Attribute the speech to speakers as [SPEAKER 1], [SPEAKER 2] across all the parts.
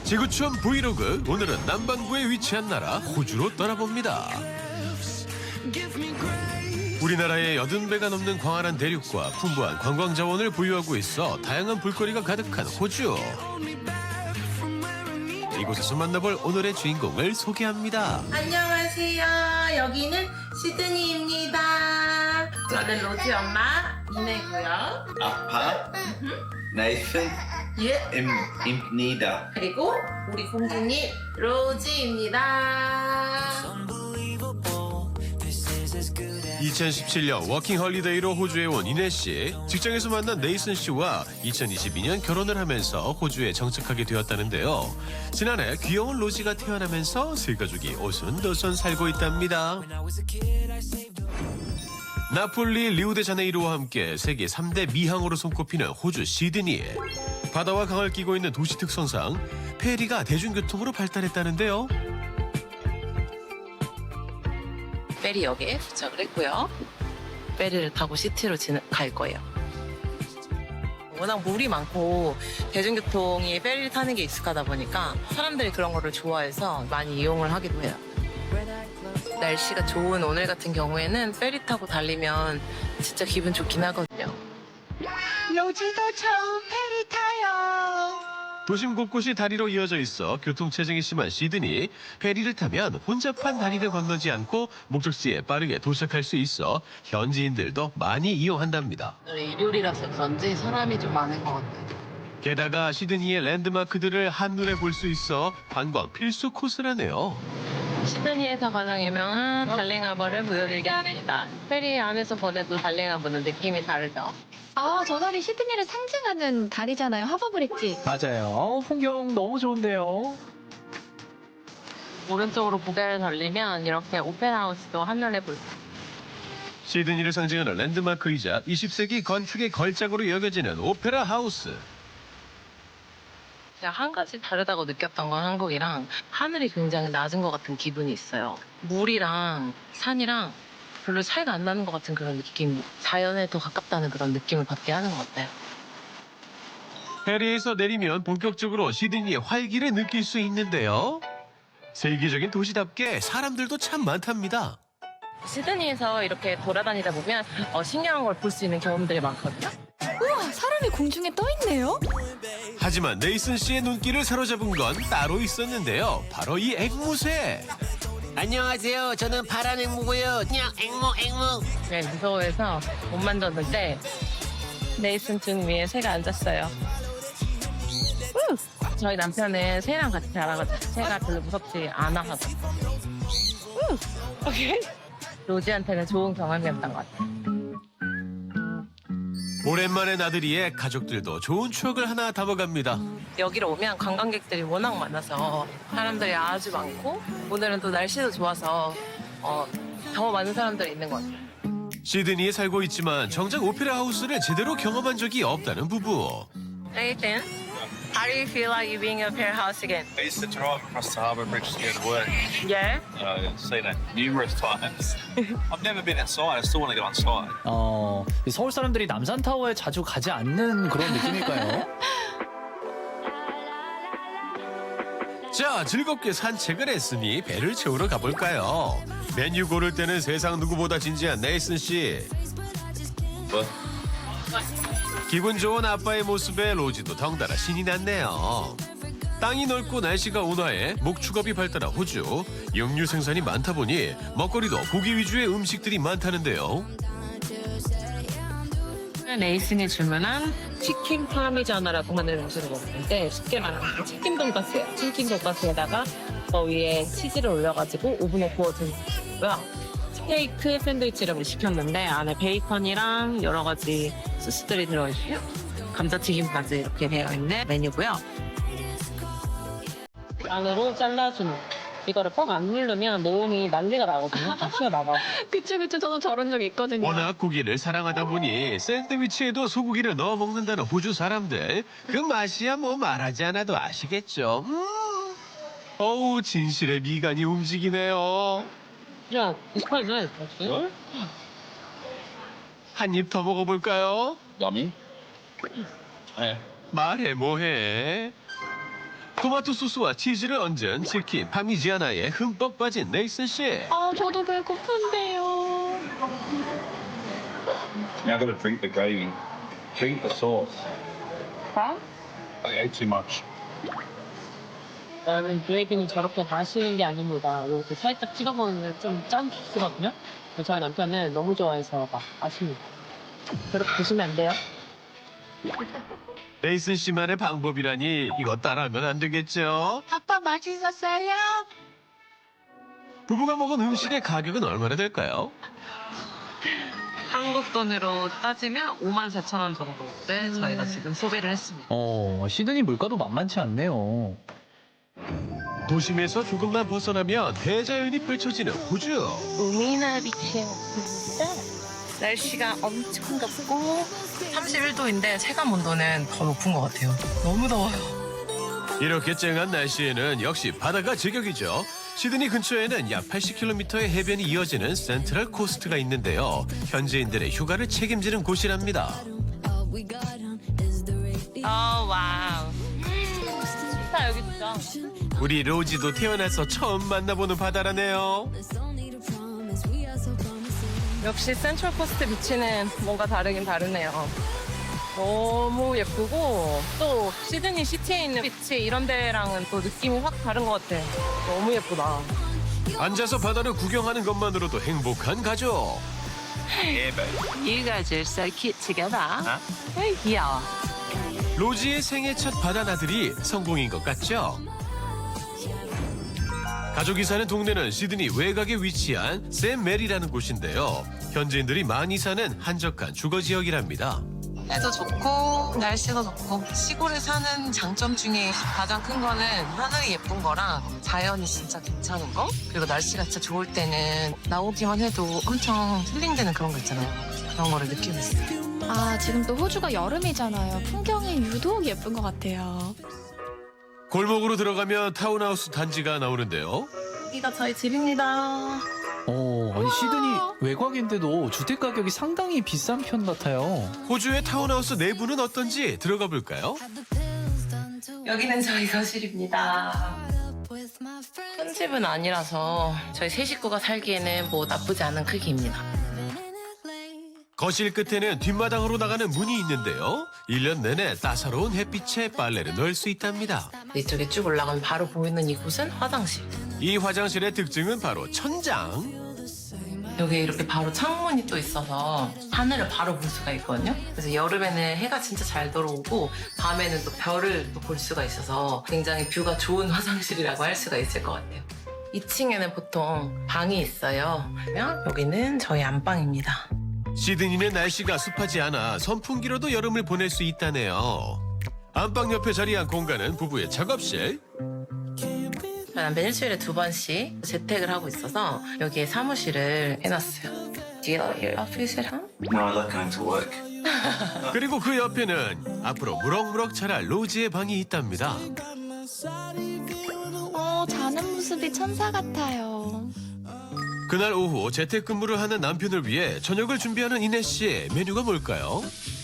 [SPEAKER 1] 지구촌 브이로그, 오늘은 남반구에 위치한 나라 호주로 떠나봅니다. 우리나라의 80배가 넘는 광활한 대륙과 풍부한 관광 자원을 보유하고 있어 다양한 볼거리가 가득한 호주. 이곳에서 만나볼 오늘의 주인공을 소개합니다.
[SPEAKER 2] 안녕하세요. 여기는 시드니입니다. 저는 로지 엄마 이내고요.
[SPEAKER 3] 아빠, 네이슨,
[SPEAKER 2] 예.
[SPEAKER 3] 임니다.
[SPEAKER 2] 그리고 우리 공주님 로지입니다.
[SPEAKER 1] 2017년 워킹 헐리데이로 호주에 온 이내 씨, 직장에서 만난 네이슨 씨와 2022년 결혼을 하면서 호주에 정착하게 되었다는데요. 지난해 귀여운 로지가 태어나면서 세 가족이 오손도손 살고 있답니다. 나폴리, 리우데자네이루와 함께 세계 3대 미항으로 손꼽히는 호주 시드니. 바다와 강을 끼고 있는 도시 특성상 페리가 대중교통으로 발달했다는데요.
[SPEAKER 4] 페리역에 도착을 했고요. 페리를 타고 시티로 갈 거예요. 워낙 물이 많고 대중교통이 페리를 타는 게 익숙하다 보니까 사람들이 그런 거를 좋아해서 많이 이용을 하기도 해요. 날씨가 좋은 오늘 같은 경우에는 페리 타고 달리면 진짜 기분 좋긴 하거든요.
[SPEAKER 2] 로지도 처음 페리 타요.
[SPEAKER 1] 도심 곳곳이 다리로 이어져 있어 교통체증이 심한 시드니. 페리를 타면 혼잡한 다리를 건너지 않고 목적지에 빠르게 도착할 수 있어 현지인들도 많이 이용한답니다.
[SPEAKER 4] 일요일이라서 그런지 사람이 좀 많은 것 같아요.
[SPEAKER 1] 게다가 시드니의 랜드마크들을 한눈에 볼 수 있어 관광 필수 코스라네요.
[SPEAKER 4] 시드니에서 가장 유명한 달링하버를 보여드리게 합니다. 페리 안에서 보내도 달링하버는 느낌이 다르죠.
[SPEAKER 5] 아, 저 다리 시드니를 상징하는 다리잖아요. 하버브릿지.
[SPEAKER 6] 맞아요. 풍경 너무 좋은데요.
[SPEAKER 4] 오른쪽으로 고개를 돌리면 이렇게 오페라 하우스도 한눈에 볼 수 있어요.
[SPEAKER 1] 시드니를 상징하는 랜드마크이자 20세기 건축의 걸작으로 여겨지는 오페라 하우스.
[SPEAKER 4] 제가 한 가지 다르다고 느꼈던 건 한국이랑 하늘이 굉장히 낮은 것 같은 기분이 있어요. 물이랑 산이랑 별로 차이가 안 나는 것 같은 그런 느낌. 자연에 더 가깝다는 그런 느낌을 받게 하는 것 같아요.
[SPEAKER 1] 페리에서 내리면 본격적으로 시드니의 활기를 느낄 수 있는데요. 세계적인 도시답게 사람들도 참 많답니다.
[SPEAKER 4] 시드니에서 이렇게 돌아다니다 보면 신기한 걸 볼 수 있는 경험들이 많거든요.
[SPEAKER 5] 우와, 사람이 공중에 떠 있네요.
[SPEAKER 1] 하지만 네이슨 씨의 눈길을 사로잡은 건 따로 있었는데요. 바로 이 앵무새.
[SPEAKER 7] 안녕하세요. 저는 파란 앵무고요. 그냥 앵무.
[SPEAKER 4] 네, 무서워해서 못 만졌는데 네이슨 등 위에 새가 앉았어요. 저희 남편은 새랑 같이 자라가지고 새가 별로 무섭지 않아 하고. 오케이. 로지한테는 좋은 경험이었던 것 같아요.
[SPEAKER 1] 오랜만에 나들이에 가족들도 좋은 추억을 하나 담아갑니다.
[SPEAKER 4] 여기로 오면 관광객들이 워낙 많아서 사람들이 아주 많고 오늘은 또 날씨도 좋아서 더 많은 사람들이 있는 것 같아요.
[SPEAKER 1] 시드니에 살고 있지만 정작 오페라 하우스를 제대로 경험한 적이 없다는 부부.
[SPEAKER 4] Nathan, how do you feel like you being up here house again?
[SPEAKER 8] I used to drive across the harbour bridge to go to work.
[SPEAKER 4] Yeah?
[SPEAKER 8] I've seen it numerous times. I've never been outside. I still want to go inside.
[SPEAKER 6] 서울 사람들이 남산타워에 자주 가지 않는 그런 느낌일까요?
[SPEAKER 1] 자, 즐겁게 산책을 했으니 배를 채우러 가볼까요? 메뉴 고를 때는 세상 누구보다 진지한 네이슨 씨.
[SPEAKER 3] 뭐?
[SPEAKER 1] 기분 좋은 아빠의 모습에 로지도 덩달아 신이 났네요. 땅이 넓고 날씨가 온화해 목축업이 발달한 호주. 육류 생산이 많다 보니 먹거리도 고기 위주의 음식들이 많다는데요.
[SPEAKER 4] 레이슨이 주문한 치킨 파미자나라고 하는 음식을 먹는데 쉽게 말하면 치킨 돈가스예요. 치킨 돈가스에다가 그 위에 치즈를 올려가지고 오븐에 구워준 거고요. 스테이크 샌드위치를 시켰는데 안에 베이컨이랑 여러 가지 소스들이 들어있고요. 감자튀김까지 이렇게 되어 있는 메뉴고요. 안으로 잘라준 이거를 뻥 안 누르면 모음이 난리가 나거든요. 다 튀어나가.
[SPEAKER 5] 그쵸. 저도 저런 적 있거든요.
[SPEAKER 1] 워낙 고기를 사랑하다 보니 샌드위치에도 소고기를 넣어 먹는다는 호주 사람들. 그 맛이야 뭐 말하지 않아도 아시겠죠. 어우, 진실의 미간이 움직이네요.
[SPEAKER 4] 야, 이빨을
[SPEAKER 1] 한 입 더 먹어볼까요?
[SPEAKER 8] Yummy.
[SPEAKER 1] 말해 뭐해. 토마토 소스와 치즈를 얹은 치킨 파미지아나에 흠뻑 빠진 네이슨 씨.
[SPEAKER 5] 아, 저도 배고픈데요.
[SPEAKER 8] Now I've got to drink the gravy. Drink the sauce.
[SPEAKER 9] Huh?
[SPEAKER 8] I ate too much.
[SPEAKER 9] 나는 그레이비는 저렇게 마시는 게 아닙니다. 이렇게 살짝 찍어 먹는 좀 짠 소스거든요. 저희 남편은 너무 좋아해서 막 마십니다. 그렇게 드시면 안 돼요.
[SPEAKER 1] 네이슨 씨만의 방법이라니 이거 따라하면 안 되겠죠?
[SPEAKER 2] 아빠 맛있었어요?
[SPEAKER 1] 부부가 먹은 음식의 가격은 얼마나 될까요?
[SPEAKER 4] 한국 돈으로 따지면 54,000원 정도를 저희가 지금 소비를 했습니다.
[SPEAKER 6] 시드니 물가도 만만치 않네요.
[SPEAKER 1] 도심에서 조금만 벗어나면 대자연이 펼쳐지는 호주.
[SPEAKER 4] 우미나 비치에 왔습니다. 날씨가 엄청 덥고 31도인데 체감 온도는 더 높은 것 같아요. 너무 더워요.
[SPEAKER 1] 이렇게 쨍한 날씨에는 역시 바다가 제격이죠. 시드니 근처에는 약 80km의 해변이 이어지는 센트럴 코스트가 있는데요. 현지인들의 휴가를 책임지는 곳이랍니다.
[SPEAKER 4] 와우. 좋다 여기 진짜.
[SPEAKER 1] 우리 로지도 태어나서 처음 만나보는 바다라네요.
[SPEAKER 4] 역시 센트럴 코스트 비치는 뭔가 다르긴 다르네요. 너무 예쁘고 또 시드니 시티에 있는 비치 이런 데랑은 또 느낌이 확 다른 것 같아. 너무 예쁘다.
[SPEAKER 1] 앉아서 바다를 구경하는 것만으로도 행복한 가족.
[SPEAKER 4] You guys are so cute together. 귀여워.
[SPEAKER 1] 로지의 생애 첫 바다나들이 성공인 것 같죠? 가족이 사는 동네는 시드니 외곽에 위치한 샘 메리라는 곳인데요. 현지인들이 많이 사는 한적한 주거 지역이랍니다.
[SPEAKER 4] 해도 좋고 날씨도 좋고 시골에 사는 장점 중에 가장 큰 거는 하늘이 예쁜 거랑 자연이 진짜 괜찮은 거, 그리고 날씨가 진짜 좋을 때는 나오기만 해도 엄청 힐링되는 그런 거 있잖아요. 그런 거를 느끼고 있어요.
[SPEAKER 5] 아, 지금 또 호주가 여름이잖아요. 풍경이 유독 예쁜 것 같아요.
[SPEAKER 1] 골목으로 들어가면 타운하우스 단지가 나오는데요.
[SPEAKER 4] 여기가 저희 집입니다.
[SPEAKER 6] 아니 시드니 외곽인데도 주택 가격이 상당히 비싼 편 같아요.
[SPEAKER 1] 호주의 타운하우스 내부는 어떤지 들어가 볼까요?
[SPEAKER 4] 여기는 저희 거실입니다. 큰 집은 아니라서 저희 세 식구가 살기에는 뭐 나쁘지 않은 크기입니다.
[SPEAKER 1] 거실 끝에는 뒷마당으로 나가는 문이 있는데요. 1년 내내 따사로운 햇빛에 빨래를 넣을 수 있답니다.
[SPEAKER 4] 이쪽에 쭉 올라가면 바로 보이는 이곳은 화장실.
[SPEAKER 1] 이 화장실의 특징은 바로 천장.
[SPEAKER 4] 여기 이렇게 바로 창문이 또 있어서 하늘을 바로 볼 수가 있거든요. 그래서 여름에는 해가 진짜 잘 들어오고 밤에는 또 별을 또 볼 수가 있어서 굉장히 뷰가 좋은 화장실이라고 할 수가 있을 것 같아요. 2층에는 보통 방이 있어요. 그러면 여기는 저희 안방입니다.
[SPEAKER 1] 시드니는 날씨가 습하지 않아 선풍기로도 여름을 보낼 수 있다네요. 안방 옆에 자리한 공간은 부부의 작업실.
[SPEAKER 4] 남편 일주일에 2번씩 재택을 하고 있어서 여기에 사무실을 해놨어요. Do you like your office at home?
[SPEAKER 3] No, I like going to work.
[SPEAKER 1] 그리고 그 옆에는 앞으로 무럭무럭 자랄 로지의 방이 있답니다.
[SPEAKER 5] 자는 모습이 천사 같아요.
[SPEAKER 1] 그날 오후 재택근무를 하는 남편을 위해 저녁을 준비하는 이내 씨. 메뉴가 뭘까요?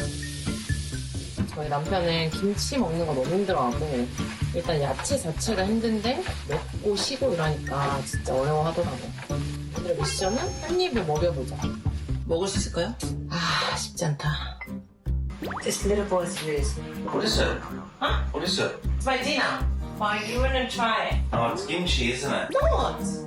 [SPEAKER 4] 저희 남편은 김치 먹는 거 너무 힘들어하고 일단 야채 자체가 힘든데 먹고 쉬고 이러니까 진짜 어려워하더라고요. 오늘의 미션은 한 입을 먹여보자. 먹을 수 있을까요? 아 쉽지 않다. This little boy's food.
[SPEAKER 3] What is it?
[SPEAKER 4] Huh?
[SPEAKER 3] What is it?
[SPEAKER 4] It's my dinner. Why you wanna try it?
[SPEAKER 3] Oh, it's kimchi, isn't it?
[SPEAKER 4] What?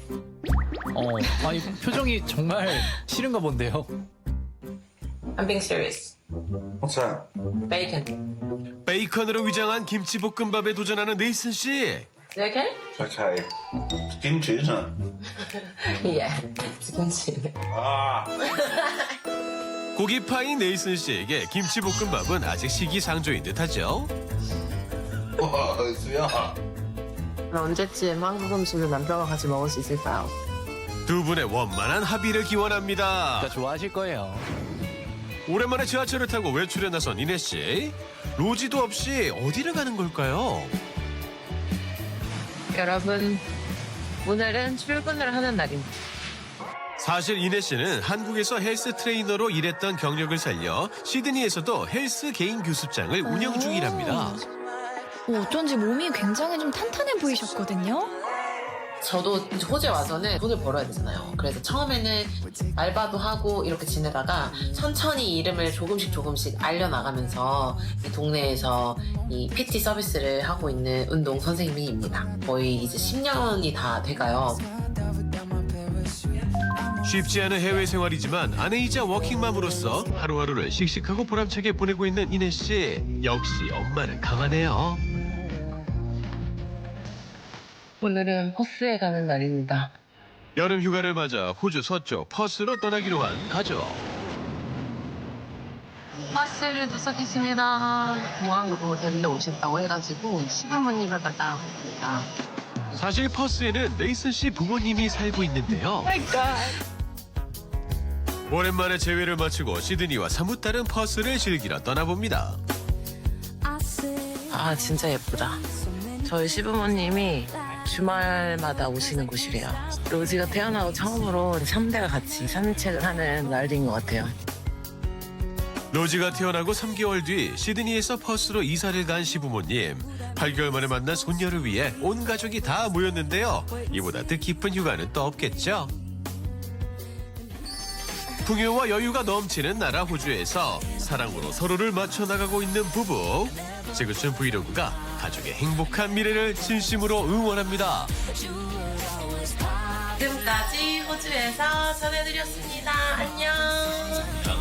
[SPEAKER 6] 아니 표정이 정말 싫은가 본데요.
[SPEAKER 4] I'm being serious.
[SPEAKER 3] What's that?
[SPEAKER 4] Bacon.
[SPEAKER 1] 베이컨으로 위장한 김치볶음밥에 도전하는 네이슨 씨.
[SPEAKER 4] Okay?
[SPEAKER 3] It's okay. It's kimchi, isn't it?
[SPEAKER 4] Yeah. 김치.
[SPEAKER 3] Ah.
[SPEAKER 1] 고기 파인 네이슨 씨에게 김치볶음밥은 아직 시기상조인 듯하죠.
[SPEAKER 3] Whoa, it's yeah.
[SPEAKER 4] 언제쯤 한국 음식을 남편과 같이 먹을 수 있을까요?
[SPEAKER 1] 두 분의 원만한 합의를 기원합니다.
[SPEAKER 6] 진짜 좋아하실 거예요.
[SPEAKER 1] 오랜만에 지하철을 타고 외출에 나선 이내 씨. 로지도 없이 어디를 가는 걸까요?
[SPEAKER 4] 여러분, 오늘은 출근을 하는 날입니다.
[SPEAKER 1] 사실 이내 씨는 한국에서 헬스 트레이너로 일했던 경력을 살려 시드니에서도 헬스 개인 교습장을 운영 중이랍니다.
[SPEAKER 5] 어쩐지 몸이 굉장히 좀 탄탄해 보이셨거든요.
[SPEAKER 4] 저도 이제 호주에 와서는 돈을 벌어야 되잖아요. 그래서 처음에는 알바도 하고 이렇게 지내다가 천천히 이름을 조금씩 알려나가면서 이 동네에서 이 PT 서비스를 하고 있는 운동 선생님입니다. 거의 이제 10년이 다 돼가요.
[SPEAKER 1] 쉽지 않은 해외 생활이지만 아내이자 워킹맘으로서 하루하루를 씩씩하고 보람차게 보내고 있는 이내 씨. 역시 엄마는 강하네요.
[SPEAKER 4] 오늘은 퍼스에 가는 날입니다.
[SPEAKER 1] 여름 휴가를 맞아 호주 서쪽 퍼스로 떠나기로 한 가족.
[SPEAKER 4] 버스를 도착했습니다. 공항으로 데리러 오신다고 해가지고 시부모님을 만나봅니다.
[SPEAKER 1] 사실 퍼스에는 네이슨 씨 부모님이 살고 있는데요. 오랜만에 재회를 마치고 시드니와 사뭇 다른 퍼스를 즐기러 떠나봅니다.
[SPEAKER 4] 아 진짜 예쁘다. 저희 시부모님이 주말마다 오시는 곳이래요. 로지가 태어나고 처음으로 3대가 같이 산책을 하는 날인 것 같아요.
[SPEAKER 1] 로지가 태어나고 3개월 뒤 시드니에서 퍼스로 이사를 간 시부모님. 8개월 만에 만난 손녀를 위해 온 가족이 다 모였는데요. 이보다 뜻깊은 휴가는 또 없겠죠. 풍요와 여유가 넘치는 나라 호주에서 사랑으로 서로를 맞춰 나가고 있는 부부. 지구촌 브이로그가 가족의 행복한 미래를 진심으로 응원합니다.
[SPEAKER 2] 지금까지 호주에서 전해드렸습니다. 안녕.